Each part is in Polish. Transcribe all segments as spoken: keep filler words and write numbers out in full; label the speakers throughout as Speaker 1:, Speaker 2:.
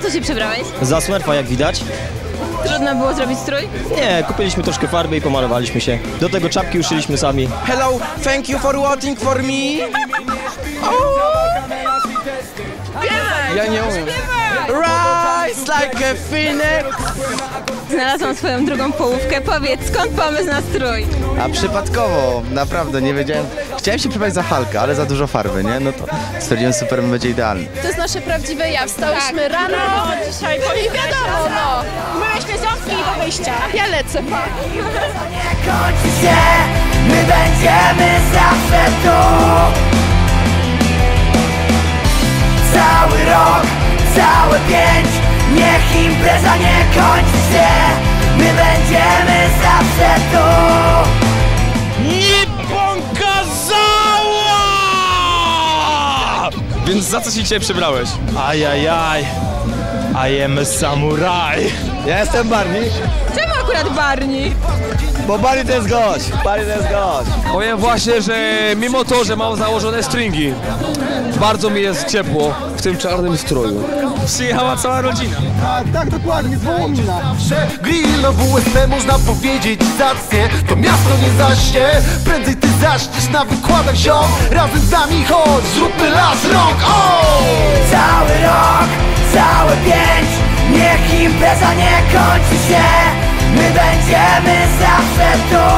Speaker 1: co się przebrałeś?
Speaker 2: Za Smurfa, jak widać.
Speaker 1: Trudno było zrobić strój?
Speaker 2: Nie, kupiliśmy troszkę farby i pomalowaliśmy się. Do tego czapki uszyliśmy sami.
Speaker 3: Hello, thank you for voting for me. Ja nie umiem. Rise like a phoenix.
Speaker 1: Znalazłam swoją drugą połówkę. Powiedz, skąd pomysł na strój?
Speaker 4: A przypadkowo, naprawdę nie wiedziałem. Chciałem się przebrać za Hulka, ale za dużo farby, nie? No to stwierdziłem, super, będzie idealny.
Speaker 5: To jest nasze prawdziwe ja. Wstałyśmy tak. rano dzisiaj i wiadomo, no. Myłyśmy ząbki do wyjścia. Ja lecę, pa.
Speaker 6: Nie kończy się, my będziemy zawsze tu. Cały rok, całe pięć, niech impreza nie kończy się. My będziemy zawsze tu.
Speaker 3: Nie pokazała! Więc za co się dzisiaj przebrałeś?
Speaker 2: Ajajaj, I am a samurai.
Speaker 4: Ja jestem Barney,
Speaker 1: Czemu akurat Barney?
Speaker 4: bo Barney to jest gość. Barney to jest gość.
Speaker 7: Powiem właśnie, że mimo to, że mam założone stringi, bardzo mi jest ciepło w tym czarnym stroju.
Speaker 3: Przyjechała cała rodzina.
Speaker 4: Tak, dokładnie, Wołomina.
Speaker 8: Grill na W S P można powiedzieć zacnie. To miasto nie zaśnie, prędzej ty zaśniesz na wykładach, ziom. Razem z nami chodź, zróbmy las rąk, o!
Speaker 6: Cały rok, całe pięć, niech impreza nie kończy się. My będziemy zawsze tu.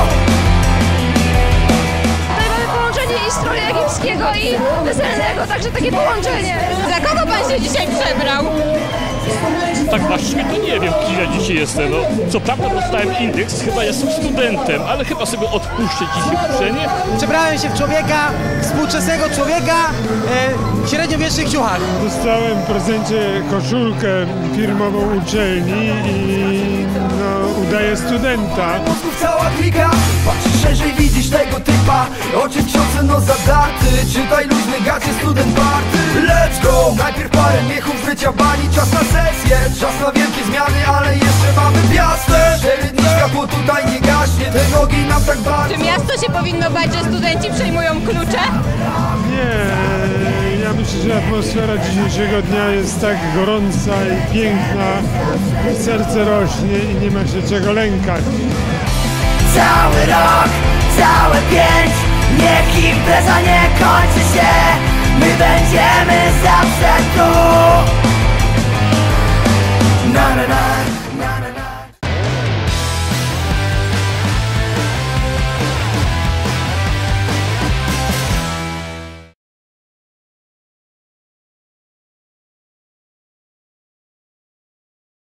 Speaker 5: Tutaj mamy połączenie i stroju egipskiego i weselnego, także takie połączenie.
Speaker 1: Za kogo pan się dzisiaj przebrał?
Speaker 9: Tak właściwie to nie wiem, kim ja dzisiaj jestem. No, co prawda dostałem indeks, chyba jestem studentem, ale chyba sobie odpuszczę dzisiaj uczenie.
Speaker 10: Przebrałem się w człowieka, współczesnego człowieka e, w średniowiecznych ciuchach.
Speaker 11: Dostałem w prezencie koszulkę firmową uczelni i no, udaję studenta.
Speaker 6: Cała klika, patrz szerzej, widzisz tego typa. Oczy ksiądze, no zadarty. Czytaj luźny gacie, student party. Let's go! Najpierw parę miechów życia bani. Czas na sesję, czas na wielkie zmiany, ale jeszcze mamy piastę. Cztery dni światło tutaj nie gaśnie. Te nogi nam tak bardzo.
Speaker 1: Czy miasto się powinno bać, że studenci przejmują klucze?
Speaker 11: Nie, ja myślę, że atmosfera dzisiejszego dnia jest tak gorąca i piękna. Serce rośnie i nie ma się czego lękać.
Speaker 6: Cały rok, całe pięć, niech impreza nie kończy się. My będziemy zawsze tu.